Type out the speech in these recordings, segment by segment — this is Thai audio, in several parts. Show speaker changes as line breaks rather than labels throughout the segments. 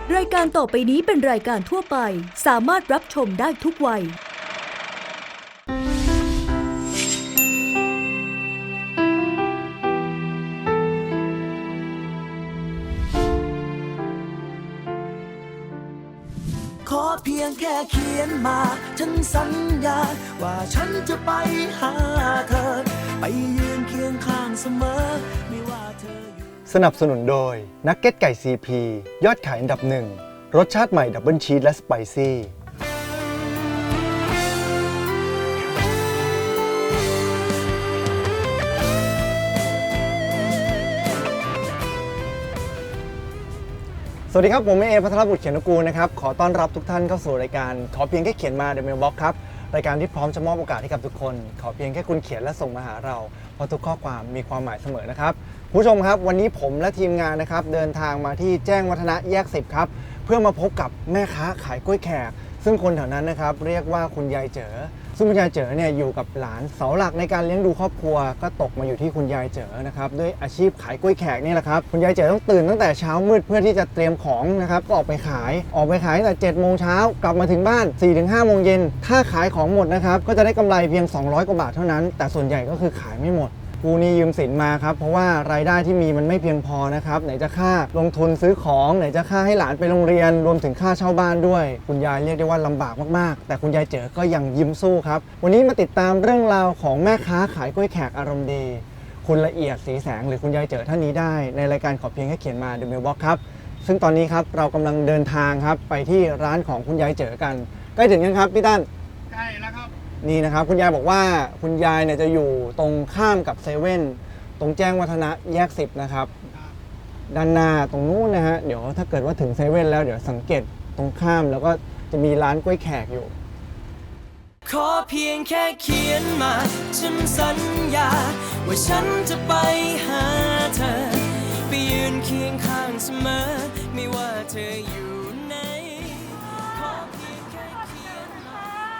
รายการต่อไปนี้เป็นรายการทั่วไปสามารถรับชมได้ทุกวัย
ขอเพียงแค่เขียนมาฉันสัญญาว่าฉันจะไปหาเธอไปยืนเคียงข้างเสมอไม่ว่าเธออยู่
สนับสนุนโดยนักเก็ตไก่ซีพียอดขายอันดับหนึ่งรสชาติใหม่ดับเบิลชีสและสไปซี่สวัสดีครับผมเอพัทรบุตรเขียนกูลนะครับขอต้อนรับทุกท่านเข้าสู่รายการขอเพียงแค่เขียนมา The Mailbox ครับรายการที่พร้อมจะมอบโอกาสให้กับทุกคนขอเพียงแค่คุณเขียนและส่งมาหาเราเพราะทุกข้อความมีความหมายเสมอนะครับผู้ชมครับวันนี้ผมและทีมงานนะครับเดินทางมาที่แจ้งวัฒนะแยก10ครับเพื่อมาพบกับแม่ค้าขายกล้วยแขกซึ่งคนแถวนั้นนะครับเรียกว่าคุณยายเจ๋อซึ่งคุณยายเจ๋อเนี่ยอยู่กับหลานเสาหลักในการเลี้ยงดูครอบครัวก็ตกมาอยู่ที่คุณยายเจ๋อนะครับด้วยอาชีพขายกล้วยแขกนี่แหละครับคุณยายเจ๋อต้องตื่นตั้งแต่เช้ามืดเพื่อที่จะเตรียมของนะครับก็ออกไปขายตั้งแต่7 โมงเช้ากลับมาถึงบ้าน 4-5 โมงเย็นถ้าขายของหมดนะครับก็จะได้กำไรเพียง200 กว่าบาทเท่านั้นแต่ส่วนใหญ่ก็คือขายไม่หมดกูนี่ยืมสินมาครับเพราะว่ารายได้ที่มีมันไม่เพียงพอนะครับไหนจะค่าลงทุนซื้อของไหนจะค่าให้หลานไปโรงเรียนรวมถึงค่าเช่าบ้านด้วยคุณยายเรียกได้ว่าลำบากมากๆแต่คุณยายเจ๋อก็ยังยิ้มสู้ครับวันนี้มาติดตามเรื่องราวของแม่ค้าขายกล้วยแขกอารมณ์ดีคุณละเอียดสีแสงหรือคุณยายเจ๋อท่านนี้ได้ในรายการขอเพียงแค่เขียนมา The Mailbox ครับซึ่งตอนนี้ครับเรากำลังเดินทางครับไปที่ร้านของคุณยายเจ๋อกันใกล้ถึงยังครับพี่ตั้น
ใกล้แล้วครับ
นี่นะครับคุณยายบอกว่าคุณยายเนี่ยจะอยู่ตรงข้ามกับเซเว่นตรงแจ้งวัฒนะแยก10นะครับด้านหน้าตรงนู้นนะฮะเดี๋ยวถ้าเกิดว่าถึงเซเว่นแล้วเดี๋ยวสังเกตตรงข้ามแล้วก็จะมีร้านกล้วยแขกอยู่
ขอเพียงแค่เขียนมาฉันสัญญาว่าฉันจะไปหาเธอไปยืนเคียงข้างเสมอไม่ว่าเธออยู่ไหนขอเพียงแค่เขียนมา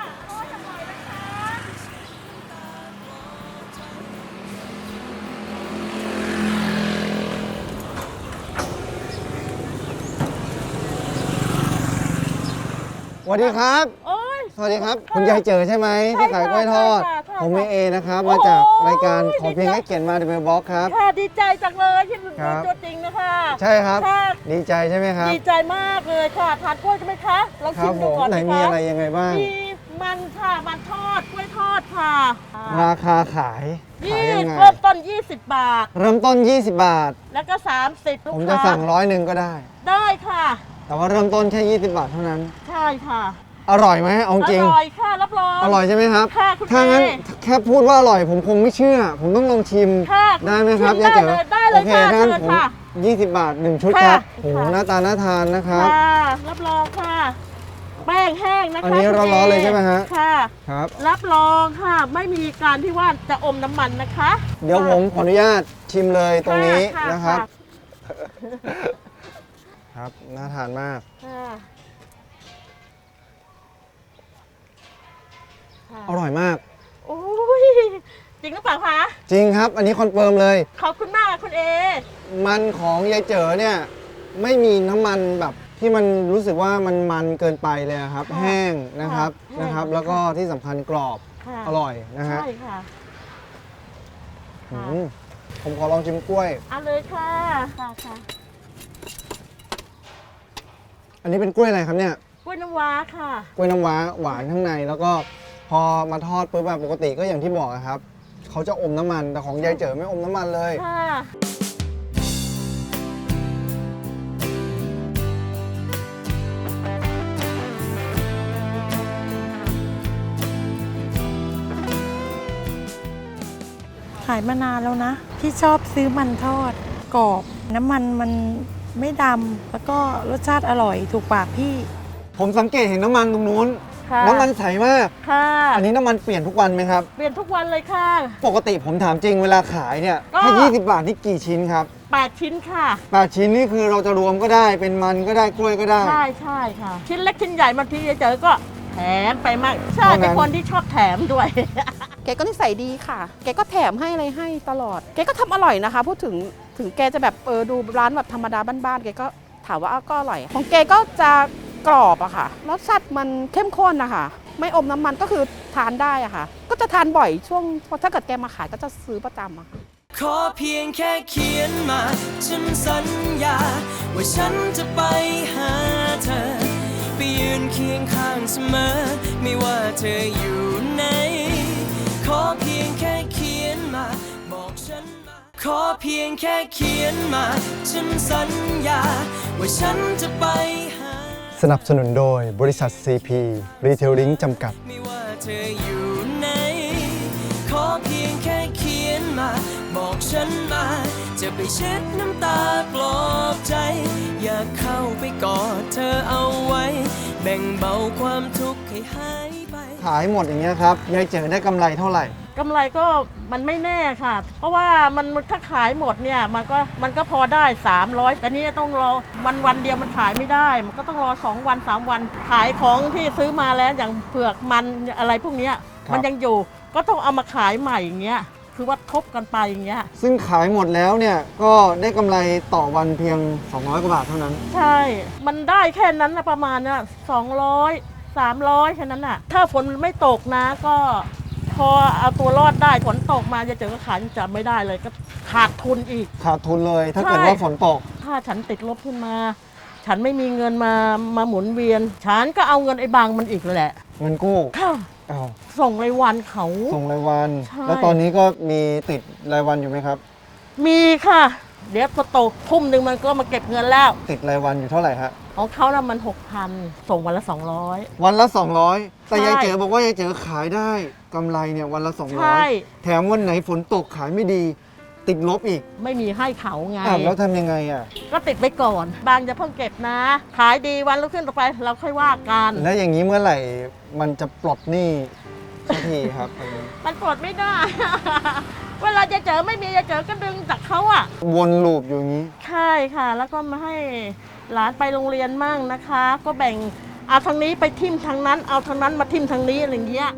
สวัสดีครับสวัสดีครับคุณยายเจ๋อใช่ไหมที่ขายกล้วยทอดผมเอนะครับมาจากรายการขอเพียงแค่เขียนมา The Mailbox ครับ
ค่ะดีใจจังเลยที่เป็นตัวจริงนะคะ
ใช่ครับดีใจใช่ไหมครับ
ดีใจมากเลยค่ะทานกล้วยใช่ไหมคะลองชิมดูก่อน
ไหนมีอะไรยังไงบ้าง
มีมันค่ะมันทอดกล้วยทอดค่ะ
ราคาขาย
ยังไงเริ่มต้น20 บาท
เริ่มต้น20 บาท
แล้วก็30ลูกค้า
ผมจะสั่ง100ก็ได้
ได้ค่ะ
แต่ว่าเริ่มต้นแค่20 บาทเท่านั้น
ใช่ค่ะ
อร่อยไหมเอาจริง
อร่อยค่ะรับรอง
อร่อยใช่ไหมครับ
ค่ะคุณ
ถ้างั้นแค่พูดว่าอร่อยผมคงไม่เชื่อผมต้องลองชิมได้ไหมครับยายเจ๋อโอเคถ้างั้นผม20 บาท1ชุดครับโอ้โหหน้าตาน่าทานนะครับ
รับรองค่ะแป้งแห้งนะคะ
อันนี้ร้อนๆเลยใช่ไหมฮะ
ค่ะ
ครับ
รับรองค่ะไม่มีการที่ว่าจะอมน้ำมันนะคะ
เดี๋ยวผมขออนุญาตชิมเลยตรงนี้นะครับครับน่าทานมากอร่อยมาก
โอ้ยจริงหรือเปล่าคะ
จริงครับอันนี้คอนเฟิร์มเลย
ขอบคุณมากคุณเอ
มันของยายเจ๋อเนี่ยไม่มีน้ำมันแบบที่มันรู้สึกว่ามันเกินไปเลยครับแห้งนะครับแล้วก็ที่สำคัญกรอบอร่อยนะฮะ
ใช่ค่ะ
ผมขอลองชิมกล้วย
เอาเลยค่ะค่ะ
อันนี้เป็นกล้วยอะไรครับเนี่ย
กล้วยน้ำว้าค่ะ
กล้วยน้ำว้าหวานข้างในแล้วก็พอมาทอดปุ๊บแบบปกติก็อย่างที่บอกครับเขาจะอมน้ำมันแต่ของยายเจ๋อไม่อมน้ำมันเลย
ขายมานานแล้วนะที่ชอบซื้อมันทอดกรอบน้ำมันไม่ดำแล้วก็รสชาติอร่อยถูกปากพี่
ผมสังเกตเห็นน้ำมันตรงนู้นน้ำมันใสมาก
ค่ะ
อันนี้น้ำมันเปลี่ยนทุกวันไหมครับ
เปลี่ยนทุกวันเลยค่ะ
ปกติผมถามจริงเวลาขายเนี่ยถ้า20 บาทนี่กี่ชิ้นครับ
8 ชิ้นค่ะ
8 ชิ้นนี่คือเราจะรวมก็ได้เป็นมันก็ได้กล้วยก็ได้
ใช่ค่ะชิ้นเล็กชิ้นใหญ่บางทีเจอก็แถมไปมากใช่เป็นคนที่ชอบแถมด้วย
แกก็นิสัยดีค่ะแกก็แถมให้อะไรให้ตลอดแกก็ทำอร่อยนะคะพูดถึงแกจะแบบดูร้านแบบธรรมดาบ้านๆแกก็ถามว่าก็อร่อยของเกก็จะกรอบอะค่ะรสชาติมันเข้มข้นนะคะไม่อมน้ำมันก็คือทานได้อะค่ะก็จะทานบ่อยช่วงถ้าเกิดแกมาขายก็จะซื้อประจำอะค่ะ
ขอเพียงแค่เขียนมาฉันสัญญาว่าฉันจะไปหาเธอไปยืนเคียงข้างเสมอไม่ว่าเธออยู่ไหนขอเพียงแค่เขียนมาบอกฉันมาขอเพียงแค่เขียนมาฉันสัญญาว่าฉันจะไปหา
สนับสนุนโดยบริษัท CP Retailing จำกัด
ไม่ว่าเธออยู่ไหนขอเพียงแค่เขียนมาบอกฉันมาจะไปเช็ดน้ำตาปลอบใจอยากเข้าไปกอดเธอเอาไว้แบ่งเบาความทุกข์ให้หายไป
ขายหมดอย่างเงี้ยครับยายเจ๋อได้กำไรเท่าไหร่
กำไรก็มันไม่แน่ค่ะ เพราะว่ามันถ้าขายหมดเนี่ยมันก็พอได้300แต่นี่ต้องรอวันเดียวมันขายไม่ได้ มันก็ต้องรอ2 วัน3 วันขายของที่ซื้อมาแล้วอย่างเผือกมันอะไรพวกเนี้ย
ครับ
มันยังอยู่ก็ต้องเอามาขายใหม่อย่างเงี้ยคือว่าทบกันไปอย่างเงี้ย
ซึ่งขายหมดแล้วเนี่ยก็ได้กำไรต่อวันเพียง200กว่าบาทเท่านั้น
ใช่ มันได้แค่นั้นนะประมาณน่ะ200 300แค่นั้นน่ะถ้าฝนไม่ตกนะก็พอเอาตัวรอดได้ฝนตกมาจะเจอก็ขายจะไม่ได้เลยก็ขาดทุนอีก
ขาดทุนเลยถ้า
ใช่
เกิดว่าฝนตก
ถ้าฉันติดลบขึ้นมา ฉันไม่มีเงินมาหมุนเวียน ฉันก็เอาเงินไอ้บางมันอีกแหละ
เงินกู้
ค่ะ
อ้าว
ส่งรายวันเขา
ส่งรายวัน
ใช่
แล้วตอนนี้ก็มีติดรายวันอยู่ไหมครับ
มีค่ะ เดี๋ยวพอโตทุ่มหนึ่งมันก็มาเก็บเงินแล้ว
ติดรายวันอยู่เท่าไหร่ฮะ
ของเขาน่ะมัน 6,000 ส่งวันละ 200
วันละ 200 แต่
ใช่
ยายเจ๋อบอกว่ายายเจ๋อขายได้กำไรเนี่ยวันละ
ใช่
200 แถมวันไหนฝนตกขายไม่ดี ติดลบอีก
ไม่มีให้เขาไง
อ้าวแล้วทำยังไงอ่ะ
ก็ติดไปก่อน บางจะเพิ่งเก็บนะ ขายดีวันรุ่งขึ้นต่อไปเราค่อยว่ากัน
แล้วอย่างนี้เมื่อไหร่มันจะปลดหนี้สักทีครับ
มันปลดไม่ได้ เวลาจะเจอไม่มีจะเจอก็ดึงจากเขาอ่ะ
วนลูปอยู่อย่างนี้
ใช่ค่ะ แล้วก็มาให้หลานไปโรงเรียนมั่งนะคะ ก็แบ่งเอาทางนี้ไปทิ่มทางนั้น เอาทางนั้นมาทิ่มทางนี้อะไรอย่างเงี้ย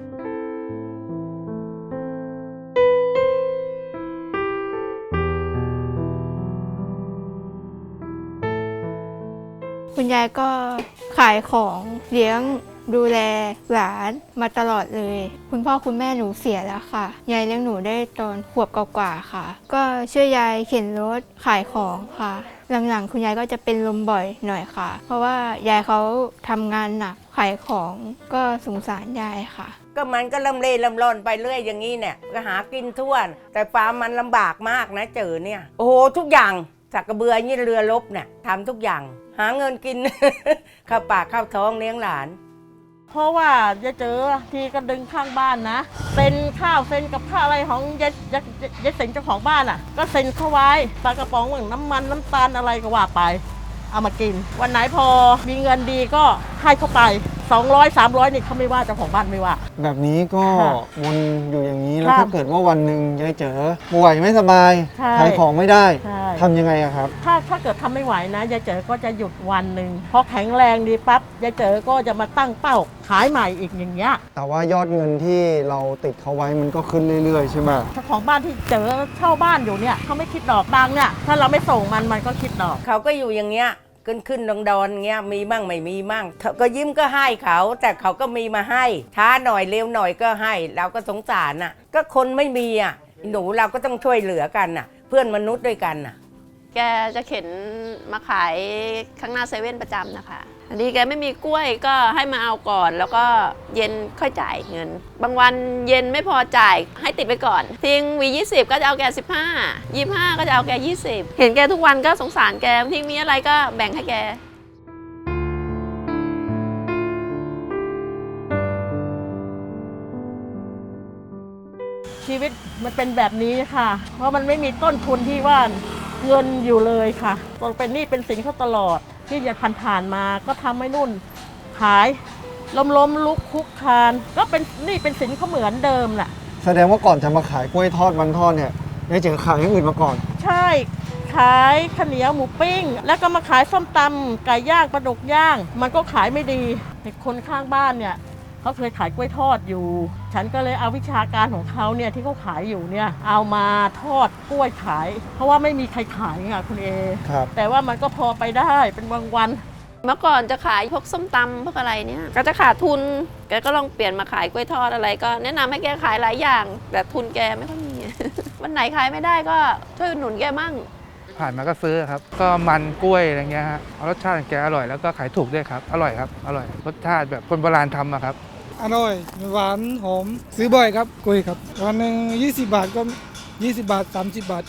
คุณยายก็ขายของเลี้ยงดูแลหลานมาตลอดเลย คุณพ่อคุณแม่หนูเสียแล้วค่ะ ยายเลี้ยงหนูได้ตอนขวบกว่าๆค่ะ ก็ช่วยยายเข็นรถขายของค่ะ หลังๆคุณยายก็จะเป็นลมบ่อยหน่อยค่ะ เพราะว่ายายเขาทำงานหนักขายของก็สงสารยายค่ะ
ก็มันก็ลำเล่ลำล่อนไปเรื่อยอย่างนี้เนี่ยก็หากินทั่วแต่ฟาร์มมันลำบากมากนะเจอเนี่ยโอ้โหทุกอย่างสักกระเบือยี่เรือลบเนี่ยทำทุกอย่าง หาเงินกิน เข้าปากเข้าท้องเลี้ยงหลาน
เพราะว่าจะเจอทีก็ดึงข้างบ้านนะเซ็นข้าวเซ็นกับข้าวอะไรของยายเซ็นเจ้าของบ้านอ่ะ ก็เซ็นเข้าไว้ปลากระป๋องเหมือนน้ำมันน้ำตาลอะไรก็ว่าไป เอามากิน วันไหนพอมีเงินดีก็ให้เข้าไป200 300นี่เขาไม่ว่าเจ้าของบ้านไม่ว่า
แบบนี้ก็
ค่ะ
วนอยู่อย่างนี้แล้ว
ครับ
ถ้าเกิดว่าวันหนึ่งยายเจ๋อป่วยไม่สบาย
ใช่
ขายของไม่ได้
ใช่
ทำยังไงอะครับ
ถ้าเกิดทำไม่ไหวนะยายเจอก็จะหยุดวันหนึ่งพอแข็งแรงดีปั๊บยายเจอก็จะมาตั้งเป้าขายใหม่อีกอย่างเงี้ย
แต่ว่ายอดเงินที่เราติดเขาไว้มันก็ขึ้นเรื่อยๆใช่ไหม
เจ้าของบ้านที่เจอเช่าบ้านอยู่เนี่ยเขาไม่คิดดอกบางเนี่ยถ้าเราไม่ส่งมันก็คิดดอก
เขาก็อยู่อย่างเงี้ยขึ้นดอนๆเงี้ยมีมั่งไม่มีมั่งเขาก็ยิ้มก็ให้เขาแต่เขาก็มีมาให้ช้าหน่อยเร็วหน่อยก็ให้เราก็สงสารน่ะก็คนไม่มีอ่ะหนูเราก็ต้องช่วยเหลือกันน่ะ เพื่อนมนุษย์ด้วยกันน่ะ
แกจะเข็นมาขายข้างหน้าเซเว่นประจำนะคะอันนี้แกไม่มีกล้วยก็ให้มาเอาก่อนแล้วก็เย็นค่อยจ่ายเงิน บางวันเย็นไม่พอจ่ายให้ติดไปก่อนทิ้งวี20ก็จะเอาแก15 25ก็จะเอาแก20เห็นแกทุกวันก็สงสารแกทิ้งมีอะไรก็แบ่งให้แก
ชีวิตมันเป็นแบบนี้ค่ะ เพราะมันไม่มีต้นทุนที่ว่าเงินอยู่เลยค่ะต้องเป็นหนี้เป็นสินเขาตลอดที่จะผ่านมาก็ทำให้นุ่นขายล้มลุกคุกคานก็เป็นหนี้เป็นสินเขาเหมือนเดิมแหละ
แสดงว่าก่อนจะมาขายกล้วยทอดมันทอดเนี่ยยายเจ๋อขายอย่างอื่นมาก่อน
ใช่ขายข้าวเหนียวหมูปิ้ง แล้วก็มาขายส้มตำไก่ย่างปลาดุกย่าง มันก็ขายไม่ดีคนข้างบ้านเนี่ยเขาเคยขายกล้วยทอดอยู่ฉันก็เลยเอาวิชาการของเขาเนี่ยที่เขาขายอยู่เนี่ยเอามาทอดกล้วยขายเพราะว่าไม่มีใครขายค่ะคุณเอ
ครับ
แต่ว่ามันก็พอไปได้เป็นบางวัน
เมื่อก่อนจะขายพวกส้มตำพวกอะไรเนี่ยก็จะขาดทุนแกก็ลองเปลี่ยนมาขายกล้วยทอดอะไรก็แนะนำให้แกขายหลายอย่าง แต่ทุนแกไม่ค่อยมี วันไหนขายไม่ได้ก็ช่วยอุดหนุนแกมั่ง
ผ่านมาก็ซื้อครับก็มันกล้วยอะไรเงี้ยฮะรสชาติของแกอร่อยแล้วก็ขายถูกด้วยครับอร่อยครับอร่อยรสชาติแบบคนโบราณทำอะครับ
อร่อยหวานหอมซื้อบ่อยครับกล้วยครับวันหนึ่ง20 บาทก็20 บาท30 บาท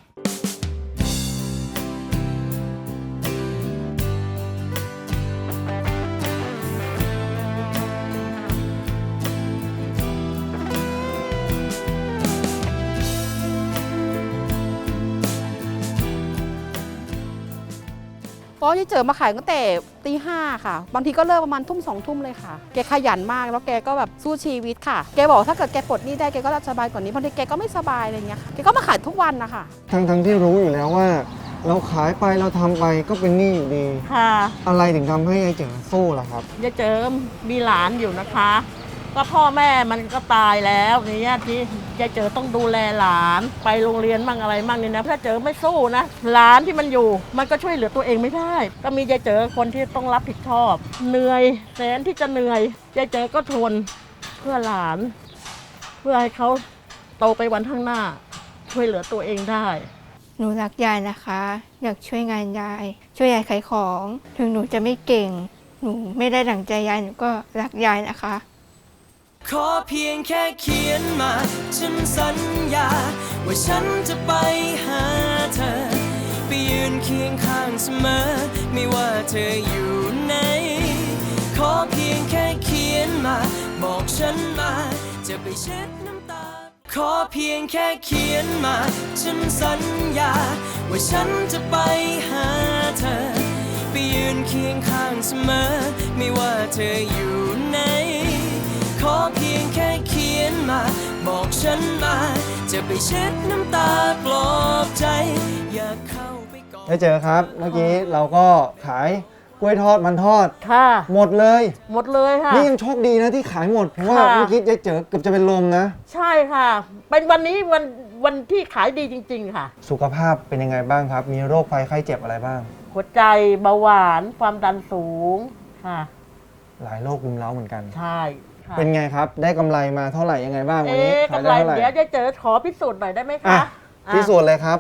ก็ยายเจอมาขายตั้งแต่ตี 5ค่ะบางทีก็เลิกประมาณทุ่ม2 ทุ่มเลยค่ะแกขยันมากแล้วแกก็แบบสู้ชีวิตค่ะแกบอกถ้าเกิดแกปลดหนี้ได้แกก็จะสบายกว่านี้บางทีแกก็ไม่สบายอะไรเงี้ยค่ะแกก็มาขายทุกวันนะคะ
ทั้งที่รู้อยู่แล้วว่า เราขายไปเราทำไปก็เป็นหนี้อยู่ดี
ค่ะ
อะไรถึงทำให้ยายเจ๋อสู้ล่ะครับ
ยายเจิมมีหลานอยู่นะคะ ก็พ่อแม่มันก็ตายแล้วเนี่ยที่ยายเจอต้องดูแลหลานไปโรงเรียนมั่งอะไรมั่งนี่นะถ้าเจอไม่สู้นะหลานที่มันอยู่มันก็ช่วยเหลือตัวเองไม่ได้ ก็มียายเจอคนที่ต้องรับผิดชอบเหนื่อยแสนที่จะเหนื่อยยายเจอก็ทนเพื่อหลาน เพื่อให้เขาโตไปวันข้างหน้า ช่วยเหลือตัวเองได้
หนูรักยายนะคะ อยากช่วยงานยาย ช่วยยายขายของ ถึงหนูจะไม่เก่ง หนูไม่ได้ดั่งใจยายหนูก็รักยายนะคะ
ขอเพียงแค่เขียนมาฉันสัญญาว่าฉันจะไปหาเธอไปยืนเคียงข้างเสมอไม่ว่าเธออยู่ไหนขอเพียงแค่เขียนมาบอกฉันมาจะไปเช็ดน้ำตาขอเพียงแค่เขียนมาฉันสัญญาว่าฉันจะไปหาเธอไปยืนเคียงข้างเสมอไม่ว่าเธออยู่ไหนขอเพียงแค่เขียนมาบอกฉันมาจะไปเช็ดน้ำตาปลอบใจอยากเข้าไปกอด
ยายเจ๋อครับ เมื่อกี้เราก็ขายกล้วยทอดมันทอด
ค่ะ
หมดเลย
หมดเลยค่ะ
นี่ยังโชคดีนะที่ขายหมด เพราะว่า
ค่ะ
เมื่อกี้ยายเจ๋อเกือบจะเป็นลมนะ
ใช่ค่ะ เป็นวันนี้วันที่ขายดีจริงๆค่ะ
สุขภาพเป็นยังไงบ้างครับ มีโรคภัยไข้เจ็บอะไรบ้าง
หัวใจเบาหวานความดันสูงค่ะ
หลายโรครุมเร้าเหมือนกัน
ใช่ค่ะ
เป็นไงครับ ได้กำไรมาเท่าไหร่ยังไงบ้างวันนี้ขาย
กำ
ได้
ไร
เท่าไหร่
เดี๋ยวจะเจอขอพิสูจน์หน่อยได้ไหม
อ่ะ
คะ
พิสูจน์เลยครับ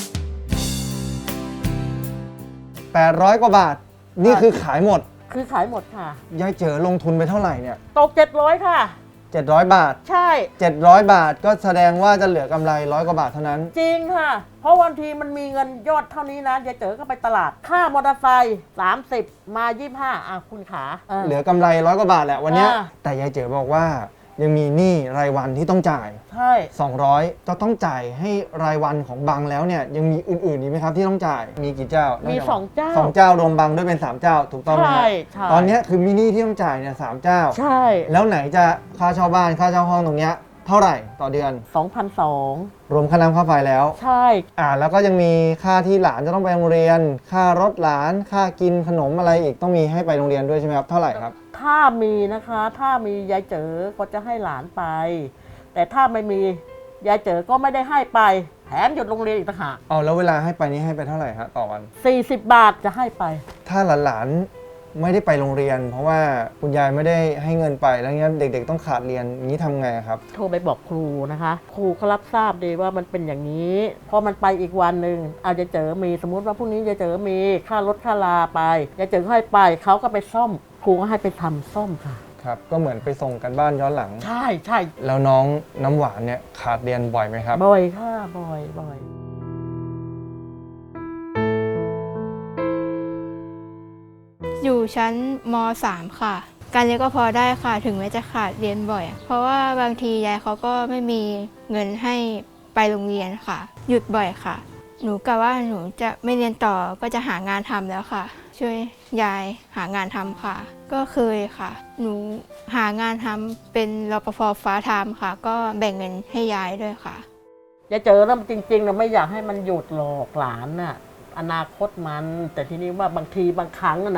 800 กว่าบาท นี่คือขายหมด
คือขายหมดค่ะ
ยายเจ๋อลงทุนไปเท่าไหร่เนี่ย
ตก700ค่ะ
700 บาท
ใช่
700 บาทก็แสดงว่าจะเหลือกำไร100 กว่าบาทเท่านั้น
จริงค่ะ เพราะวันทีมันมีเงินยอดเท่านี้นะยายเจอก็ไปตลาด ค่ามอเตอร์ไซค์30 มา 25อ่ะคุณขา
เหลือกำไร100 กว่าบาทแหละวันเนี้ย
อ่า
แต่ยายเจ๋อบอกว่ายังมีหนี้รายวันที่ต้องจ่าย
ใช่
200จะต้องจ่ายให้รายวันของบังแล้วเนี่ยยังมีอื่นๆอีกไหมครับที่ต้องจ่ายมีกี่เจ้า
มี
มี
2 เจ้า
2 เจ้ารวมบังด้วยเป็น 3 เจ้าถูกต้องไหม
ใช่
ครับ
ใช่
ตอนเนี้ยคือมีหนี้ที่ต้องจ่ายเนี่ย3 เจ้า
ใช่
แล้วไหนจะค่าเช่าบ้านค่าเช่าห้องตรงเนี้ยเท่าไหร่ต่อเดือน
2,200
รวมค่าน้ำค่าไฟแล้ว
ใช่
แล้วก็ยังมีค่าที่หลานจะต้องไปโรงเรียน ค่ารถหลานค่ากินขนมอะไรอีกต้องมีให้ไปโรงเรียนด้วยใช่ไหมครับเท่าไหร่ครับ
ถ้ามีนะคะถ้ามียายเจอก็จะให้หลานไป แต่ถ้าไม่มียายเจอก็ไม่ได้ให้ไปแถมหยุดโรงเรียนอีกต่างหาก
แล้วเวลาให้ไปนี่ให้ไปเท่าไหร่ฮะต่อวัน
40 บาทจะให้ไป
ถ้าหลานๆไม่ได้ไปโรงเรียน เพราะว่าคุณยายไม่ได้ให้เงินไปแล้วเงี้ยเด็กๆต้องขาดเรียนอย่างนี้ทำไงครับ
โทรไปบอกครูนะคะ ครูเขารับทราบดีว่ามันเป็นอย่างนี้พอมันไปอีกวันหนึ่งอาจจะเจอมีสมมุติว่าพรุ่งนี้จะเจอมีค่ารถค่าลาไปจะเจอให้ไปเขาก็ไปซ่อมครูก็ให้ไปทำซ่อมค่ะ
ครับก็เหมือนไปส่งกันบ้านย้อนหลัง
ใช่ใช่
แล้วน้องน้ำหวานเนี่ยขาดเรียนบ่อยไหมครับ
บ่อยค่ะบ่อยบ่อย
อยู่ชั้นม .3 ค่ะ การเรียนก็พอได้ค่ะ ถึงแม้จะขาดเรียนบ่อย เพราะว่าบางทียายเขาก็ไม่มีเงินให้ไปโรงเรียนค่ะ หยุดบ่อยค่ะ หนูกะว่าหนูจะไม่เรียนต่อก็จะหางานทำแล้วค่ะ ช่วยยายหางานทำค่ะ ก็เคยค่ะ หนูหางานทำเป็นรปภฟ้าไทม์ค่ะ ก็แบ่งเงินให้ยายด้วยค่ะ
จะเจอแล้วจริงๆเราไม่อยากให้มันหยุดหลอกหลานน่ะอนาคตมัน แต่ทีนี้ว่าบางทีบางครั้งอะนะ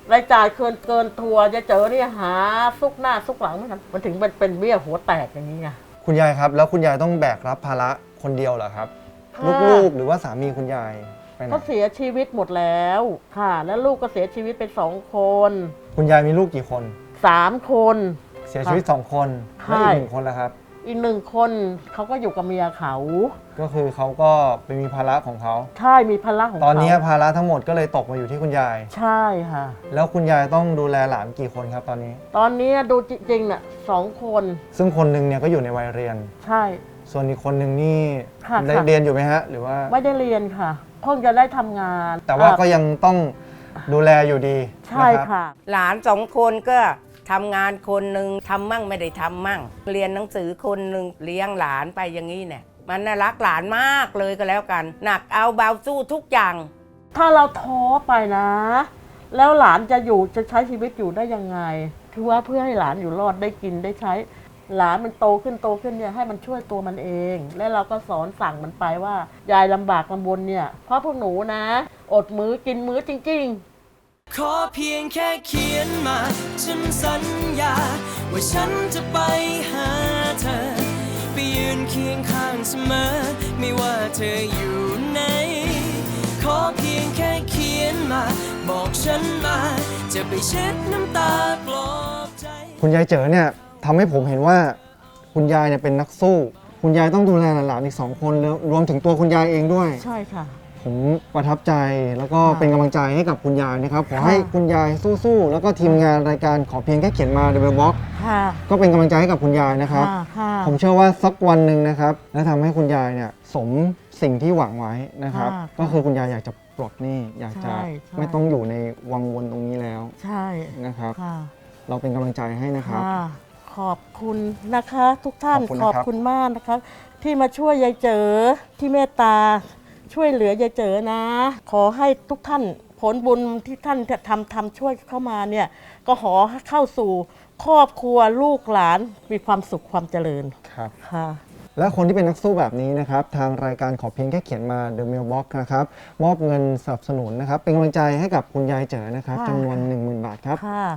รายจ่ายเกินทัวร์จะเจอเนี่ยหาซุกหน้าซุกหลังมันถึงเป็นเบี้ยหัวแตกอย่างนี้ไง
คุณยายครับแล้วคุณยายต้องแบกรับภาระคนเดียวเหรอครับ
ค่ะ
ลูกๆหรือว่าสามีคุณยายไปไหน
เขาเสียชีวิตหมดแล้วค่ะ แล้วลูกก็เสียชีวิตไป2 คน
คุณยายมีลูกกี่คน
3 คน
เสียชีวิต2 คนแล้วอีก1 คนล่ะครับ
อีก1 คนเขาก็อยู่กับเมียเขา
ก็คือเขาก็ไปมีภาระของเขา
ใช่มีภาระของเขา
ตอนนี้ภาระทั้งหมดก็เลยตกมาอยู่ที่คุณยาย
ใช่ค่ะ
แล้วคุณยายต้องดูแลหลานกี่คนครับตอนนี้
ตอนนี้ดูจริงๆน่ะ2 คน
ซึ่งคนหนึ่งเนี่ยก็อยู่ในวัยเรียน
ใช่
ส่วนอีกคนหนึ่งนี่
ค่ะ
ได้
ค่ะ
เรียนอยู่ไหมฮะหรือว่า
ไม่ได้เรียนค่ะเพิ่งจะได้ทำงาน
แต่ว่าก็ยังต้องดูแลอยู่ดี
ใช่
นะครับ
ค่ะ
หลาน2 คนก็ทำงานคนหนึ่งทำมั่งไม่ได้ทำมั่ง เรียนหนังสือคนหนึ่งเลี้ยงหลานไปอย่างนี้เนี่ยมันน่ารักหลานมากเลยก็แล้วกัน หนักเอาเบาสู้ทุกอย่าง
ถ้าเราท้อไปนะ แล้วหลานจะใช้ชีวิตอยู่ได้ยังไงคือว่าเพื่อให้หลานอยู่รอดได้กินได้ใช้ หลานมันโตขึ้นเนี่ยให้มันช่วยตัวมันเอง และเราก็สอนสั่งมันไปว่ายายลำบากลำบนเนี่ยเพราะพวกหนูนะ อดมื้อกินมื้อจริงๆ
ขอเพียงแค่เขียนมา ฉันสัญญา ว่าฉันจะไปหาเธอ ไปยืนเคียงข้างเสมอ ไม่ว่าเธออยู่ไหน ขอเพียงแค่เขียนมา บอกฉันมา จะไปเช็ดน้ำตาปลอบใจ
คุณยายเจ๋อเนี่ยทำให้ผมเห็นว่าคุณยายเนี่ยเป็นนักสู้ คุณยายต้องดูแลหลานๆอีก2 คนแล้วรวมถึงตัวคุณยายเองด้วย
ใช่ค่ะ
ผมประทับใจแล้วก็
ค่ะ
เป็นกำลังใจให้กับคุณยายนะครับขอ
ค่ะ
ให้คุณยายสู้ๆแล้วก็ทีมงานรายการขอเพียงแค่เขียนมา Double Box
ค่ะ
ก็เป็นกำลังใจให้กับคุณยายนะครับ
ค่ะ
ผมเชื่อว่าสักวันหนึ่งนะครับและทำให้คุณยายเนี่ยสมสิ่งที่หวังไว้นะครับ
ค่ะ
ก็คือคุณยายอยากจะปลดหนี้อยากจะ
ใช่
ไม่ต้องอยู่ในวังวนตรงนี้แล้ว
ใช่
นะครับ
ค่ะ
เราเป็นกำลังใจให้นะครับ
ค่ะขอบคุณนะคะทุกท่าน
ขอบคุณนะครับ
มากนะคะที่มาช่วยยายเจอที่เมตตาช่วยเหลือยายเจอนะ ขอให้ทุกท่านผลบุญที่ท่านทำช่วยเข้ามาเนี่ยก็ขอให้เข้าสู่ครอบครัวลูกหลานมีความสุขความเจริญ
ครับ
ค่ะ
และคนที่เป็นนักสู้แบบนี้นะครับทางรายการขอเพียงแค่เขียนมา The Mailbox นะครับมอบเงินสนับสนุนนะครับเป็นกำลังใจให้กับคุณยายเจ๋อนะครับ
ค่ะ
จำนวน 10,000 บาทครับ
ค่ะ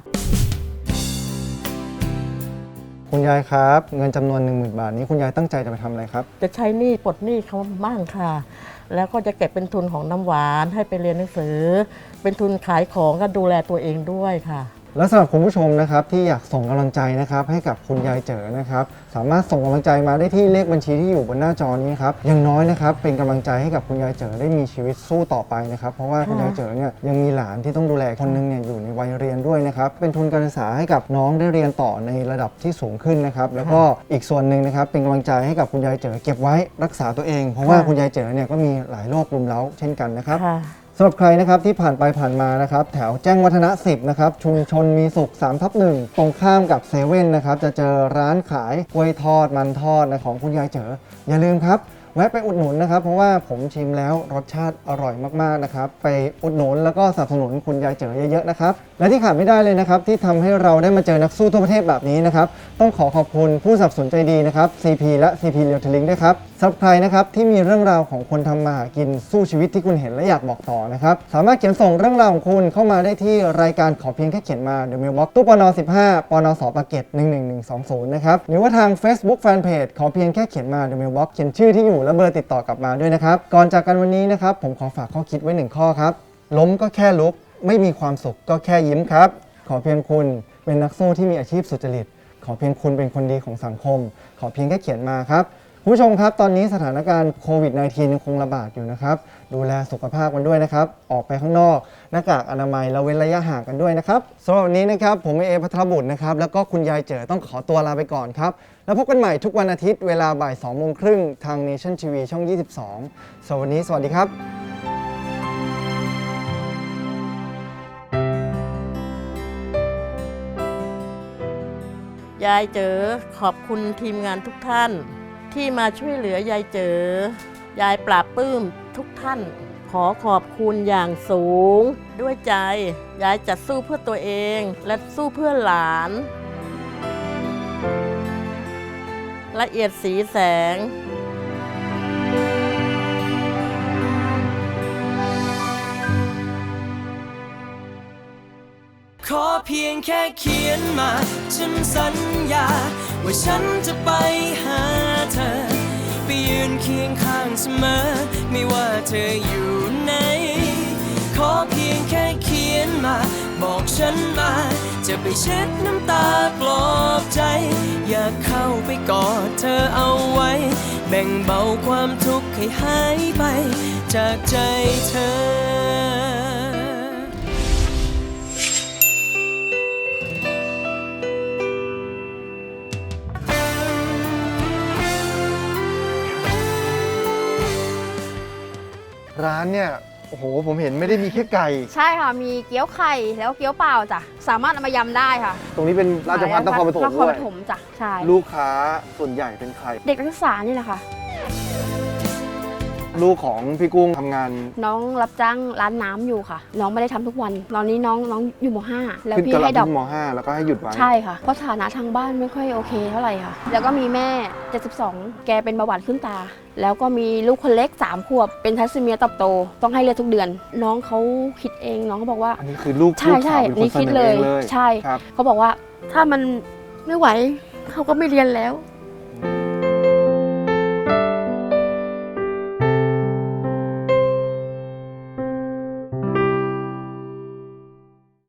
คุณยายครับเงินจำนวน 10,000 บาทนี้คุณยายตั้งใจจะไปทำอะไรครับ
จะใช้หนี้ปลดหนี้เขาบ้างค่ะ แล้วก็จะเก็บเป็นทุนของน้ำหวานให้ไปเรียนหนังสือ เป็นทุนขายของก็ดูแลตัวเองด้วยค่ะ
และสำหรับคุณผู้ชมนะครับที่อยากส่งกำลังใจนะครับให้กับคุณยายเจ๋อนะครับสามารถส่งกำลังใจมาได้ที่เลขบัญชีที่อยู่บนหน้าจอนี้ครับอย่างน้อยนะครับเป็นกำลังใจให้กับคุณยายเจ๋อได้มีชีวิตสู้ต่อไปนะครับเพราะว่าคุณยายเจ๋อเนี่ยยังมีหลานที่ต้องดูแลคนหนึงเนี่ยอยู่ในวัยเรียนด้วยนะครับเป็นทุนการศึกษาให้กับน้องได้เรียนต่อในระดับที่สูงขึ้นนะครับแล้วก็อีกส่วนหนึ่งนะครับเป็นกำลังใจให้กับคุณยายเจ๋อเก็บไว้รักษาตัวเอง เพราะว่าคุณยายเจ๋อเนี่ยก็มีหลายโรครุมเร้าเช่นกันนะครับ
ค่ะ
สำหรับใครนะครับที่ผ่านไปผ่านมานะครับแถวแจ้งวัฒนะ 10นะครับชุมชนมีสุข 3/1 ตรงข้ามกับเซเว่นนะครับจะเจอร้านขายกล้วยทอดมันทอดนะของคุณยายเจ๋ออย่าลืมครับแวะไปอุดหนุนนะครับเพราะว่าผมชิมแล้วรสชาติอร่อยมากๆนะครับไปอุดหนุนแล้วก็สนับสนุนคุณยายเจ๋อเยอะๆนะครับและที่ขาดไม่ได้เลยนะครับที่ทำให้เราได้มาเจอนักสู้ทั่วประเทศแบบนี้นะครับต้องขอบคุณผู้สนับสนุนใจดีนะครับ CP และ CP Retailing ด้วยครับสำหรับใครนะครับที่มีเรื่องราวของคนทำมาหากินสู้ชีวิตที่คุณเห็นและอยากบอกต่อนะครับสามารถเขียนส่งเรื่องราวของคุณเข้ามาได้ที่รายการขอเพียงแค่เขียนมา The Mailbox ตู้ปน15ปนสปากเกร็ด11120นะครับหรือว่าทาง Facebook Fanpage ขอเพียงแค่เขียนมา The Mailbox เขียนชื่อที่อยู่และเบอร์ติดต่อกลับมาด้วยนะครับก่อนจากกันวันนี้นะครับผมขอฝากข้อคิดไว้1ข้อครับล้มก็แค่ลุกไม่มีความสุขก็แค่ยิ้มครับขอเพียงคุณเป็นนักสู้ที่มีอาชีพสุจริตขอเพียงคุณเป็นคนดีของสังคมขอเพียงแค่เขียนมาครับคุณผู้ชมครับตอนนี้สถานการณ์โควิด -19 ยังคงระบาดอยู่นะครับดูแลสุขภาพกันด้วยนะครับออกไปข้างนอกหน้ากากอนามัยแล้วเว้นระยะห่างกันด้วยนะครับสำหรับวันนี้นะครับผมเอภัทรบุตรนะครับแล้วก็คุณยายเจ๋อต้องขอตัวลาไปก่อนครับแล้วพบกันใหม่ทุกวันอาทิตย์เวลาบ่าย 2:30 น.ทาง Nation TV ช่อง 22สวัสดีสวัสดีครับ
ยายเจอขอบคุณทีมงานทุกท่านที่มาช่วยเหลือยายเจอยายปราบปลื้มทุกท่าน ขอขอบคุณอย่างสูงด้วยใจยายจะสู้เพื่อตัวเองและสู้เพื่อหลานละเอียดสีแสง
ขอเพียงแค่เขียนมาฉันสัญญาว่าฉันจะไปหาเธอไปยืนเคียงข้างเสมอไม่ว่าเธออยู่ไหนขอเพียงแค่เขียนมาบอกฉันมาจะไปเช็ดน้ำตาปลอบใจอยากเข้าไปกอดเธอเอาไว้แบ่งเบาความทุกข์ให้หายไปจากใจเธอ
ร้านเนี่ยโอ้โหผมเห็นไม่ได้มีแค่ไก่
ใช่ค่ะ มีเกี๊ยวไข่แล้วเกี๊ยวเปล่าจ้ะ สามารถเอามายำได้ค่ะ
ตรงนี้เป็นราชภัฏนครปฐม
นค
ด้
ร
ว
ป
ย
ฐมจ้ะ ใช่
ลูกค้าส่วนใหญ่เป็นใคร
เด็กนักศึกษานี่แหละค่ะ
ลูกของพี่กุ้งทำงาน
น้องรับจ้างร้านน้ำอยู่ค่ะ น้องไม่ได้ทำทุกวัน ตอนนี้น้องอยู่ม .5 แล้ว
ขึ้น
พี่
กระ
ให้ด
ดั
อบ ก
ม .5 แล้วก็ให้หยุดไว้
ใช่ค่ะ เพราะฐานะทางบ้านไม่ค่อยโอเคเท่าไหร่ค่ะ แล้วก็มีแม่ 72 แกเป็นเบาหวานขึ้นตา แล้วก็มีลูกคนเล็ก 3 ขวบ เป็นทัสซีเมียเติบโต ต้องให้เลือดทุกเดือน น้องเขาคิดเอง น้องเขาบอกว่า
อันนี้คือลูก
ใช่
ลูก
ใช่
สาวเป็นคน
นี่
เส
คิด
นอ
เล
เอย งเลย
ใช่
ครับ
เขาบอกว่าถ้ามันไม่ไหวเขาก็ไม่เรียนแล้ว